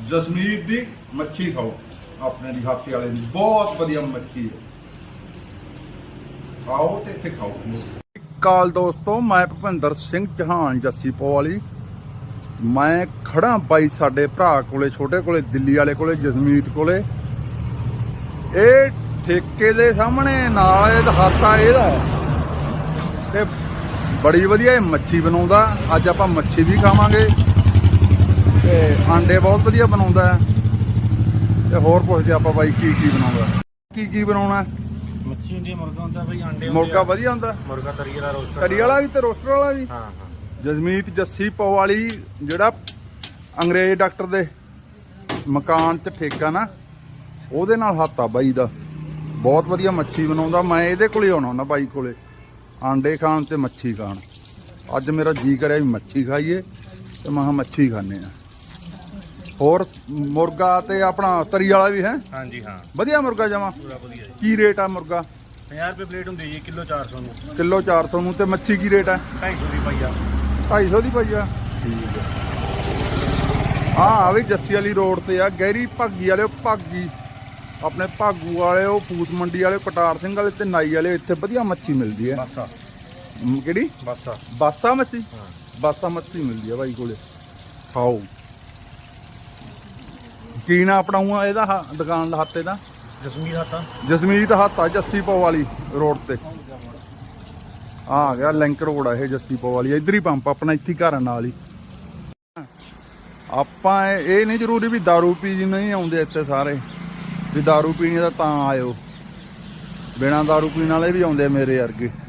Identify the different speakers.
Speaker 1: ਜਸਮੀਤ ਦੀ ਮੱਛੀ ਖਾਓ, ਆਪਣੇ ਦੀ ਹਾਤੇ ਵਾਲੇ ਦੀ ਬਹੁਤ ਵਧੀਆ ਮੱਛੀ ਹੈ। ਆਓ ਤੇ ਇੱਥੇ ਖਾਓ। ਕਾਲ ਦੋਸਤੋ, ਮੈਂ ਭੁਪਿੰਦਰ ਸਿੰਘ ਚੌਹਾਨ ਜੱਸੀ ਪੋ ਵਾਲੀ। ਮੈਂ ਖੜਾ ਬਾਈ ਸਾਡੇ ਭਰਾ ਕੋਲੇ, ਛੋਟੇ ਕੋਲੇ, ਦਿੱਲੀ ਵਾਲੇ ਕੋਲੇ, ਜਸਮੀਤ ਕੋਲੇ। ਇਹ ਠੇਕੇ ਦੇ ਸਾਹਮਣੇ ਨਾਲ ਇਹ ਹਾਤਾ ਇਹਦਾ ਤੇ ਬੜੀ ਵਧੀਆ ਇਹ ਮੱਛੀ ਬਣਾਉਂਦਾ। ਅੱਜ ਆਪਾਂ ਮੱਛੀ ਵੀ ਖਾਵਾਂਗੇ ਤੇ ਆਂਡੇ ਬਹੁਤ ਵਧੀਆ ਬਣਾਉਂਦਾ ਤੇ ਹੋਰ ਪੁੱਛਦੇ ਆਪਾਂ ਬਾਈ ਕੀ ਬਣਾਉਂਦਾ, ਕੀ ਬਣਾਉਣਾ।
Speaker 2: ਮੱਛੀ ਹੁੰਦੀ ਹੈ, ਮੁਰਗਾ ਹੁੰਦਾ ਬਈ, ਆਂਡੇ
Speaker 1: ਮੁਰਗਾ ਵਧੀਆ ਹੁੰਦਾ,
Speaker 2: ਮੁਰਗਾ ਤਰੀ ਵਾਲਾ, ਰੋਸਟਰ
Speaker 1: ਤਰੀ ਵਾਲਾ ਵੀ ਤੇ ਰੋਸਟਰ ਵਾਲਾ ਵੀ।
Speaker 2: ਹਾਂ।
Speaker 1: ਜਸਮੀਤ ਜੱਸੀ ਪੋ ਵਾਲੀ ਜਿਹੜਾ ਅੰਗਰੇਜ਼ ਡਾਕਟਰ ਦੇ ਮਕਾਨ 'ਚ ਠੇਕਾ ਨਾ, ਉਹਦੇ ਨਾਲ ਹੱਥ ਆ ਬਾਈ ਦਾ। ਬਹੁਤ ਵਧੀਆ ਮੱਛੀ ਬਣਾਉਂਦਾ। ਮੈਂ ਇਹਦੇ ਕੋਲੇ ਆਉਣਾ ਹੁੰਦਾ ਬਾਈ ਕੋਲੇ, ਆਂਡੇ ਖਾਣ ਤੇ ਮੱਛੀ ਖਾਣ। ਅੱਜ ਮੇਰਾ ਜੀ ਕਰਿਆ ਵੀ ਮੱਛੀ ਖਾਈਏ ਤੇ ਮੈਂ ਕਿਹਾ ਮੱਛੀ ਖਾਂਦੇ ਆ। ਹੋਰ ਮੁਰਗਾ ਤੇ ਆਪਣਾ ਤਰੀ ਵਾਲਾ ਵੀ ਹੈ।
Speaker 2: ਹਾਂਜੀ ਹਾਂ,
Speaker 1: ਵਧੀਆ ਮੁਰਗਾ ਜਮਾ।
Speaker 2: ਪੂਰਾ ਵਧੀਆ ਜੀ।
Speaker 1: ਕੀ ਰੇਟ ਆ ਮੁਰਗਾ?
Speaker 2: 50 ਰੁਪਏ ਪਲੇਟ ਹੁੰਦੀ ਜੀ, ਕਿਲੋ 400 ਨੂੰ।
Speaker 1: ਕਿਲੋ 400 ਨੂੰ। ਤੇ ਮੱਛੀ ਕੀ ਰੇਟ ਆ?
Speaker 2: 250 ਦੀ ਪਾਈਆ।
Speaker 1: 250 ਦੀ ਪਾਈਆ। ਠੀਕ ਹੈ। ਹਾਂ ਵੀ ਜੱਸੀ ਵਾਲੀ ਰੋਡ ਤੇ ਆ, ਗਹਿਰੀ ਭਾਗੀ ਵਾਲੇ, ਭਾਗੀ ਆਪਣੇ ਭਾਗੂ ਵਾਲੇ, ਉਹ ਫੂਸ ਮੰਡੀ ਵਾਲੇ, ਕਟਾਰ ਸਿੰਘ ਵਾਲੇ ਤੇ ਨਾਈ ਵਾਲੇ। ਇੱਥੇ ਵਧੀਆ ਮੱਛੀ ਮਿਲਦੀ ਹੈ।
Speaker 2: ਬਾਸਾ।
Speaker 1: ਕਿਹੜੀ
Speaker 2: ਬਾਸਾ?
Speaker 1: ਬਾਸਾ ਮੱਛੀ।
Speaker 2: ਹਾਂ,
Speaker 1: ਬਾਸਾ ਮੱਛੀ ਮਿਲਦੀ ਆ ਬਾਈ ਕੋਲੇ। ਖਾਓ। ਕੀ ਨਾ ਆਪਣਾ ਇਹਦਾ ਦੁਕਾਨ ਦਾ ਹੱਤੇ ਦਾ?
Speaker 2: ਜਸਮੀਤ ਹਾਤਾ।
Speaker 1: ਜਸਮੀਤ ਹਾਤਾ, ਜੱਸੀ ਪੋ ਵਾਲੀ ਰੋਡ ਤੇ ਆ ਗਿਆ। ਲਿੰਕ ਰੋਡ ਆ ਇਹ ਜੱਸੀ ਪੋ ਵਾਲੀ। ਇੱਧਰ ਹੀ ਪੰਪ ਆਪਣਾ, ਇੱਥੇ ਘਰ ਨਾਲ ਹੀ। ਆਪਾਂ ਇਹ ਨਹੀਂ ਜ਼ਰੂਰੀ ਵੀ ਦਾਰੂ ਪੀ ਜੀ ਨਹੀਂ ਆਉਂਦੇ ਇੱਥੇ ਸਾਰੇ, ਵੀ ਦਾਰੂ ਪੀਣੀ ਦਾ ਤਾਂ ਆਇਓ। ਬਿਨਾਂ ਦਾਰੂ ਪੀਣ ਵਾਲੇ ਵੀ ਆਉਂਦੇ ਮੇਰੇ ਵਰਗੇ।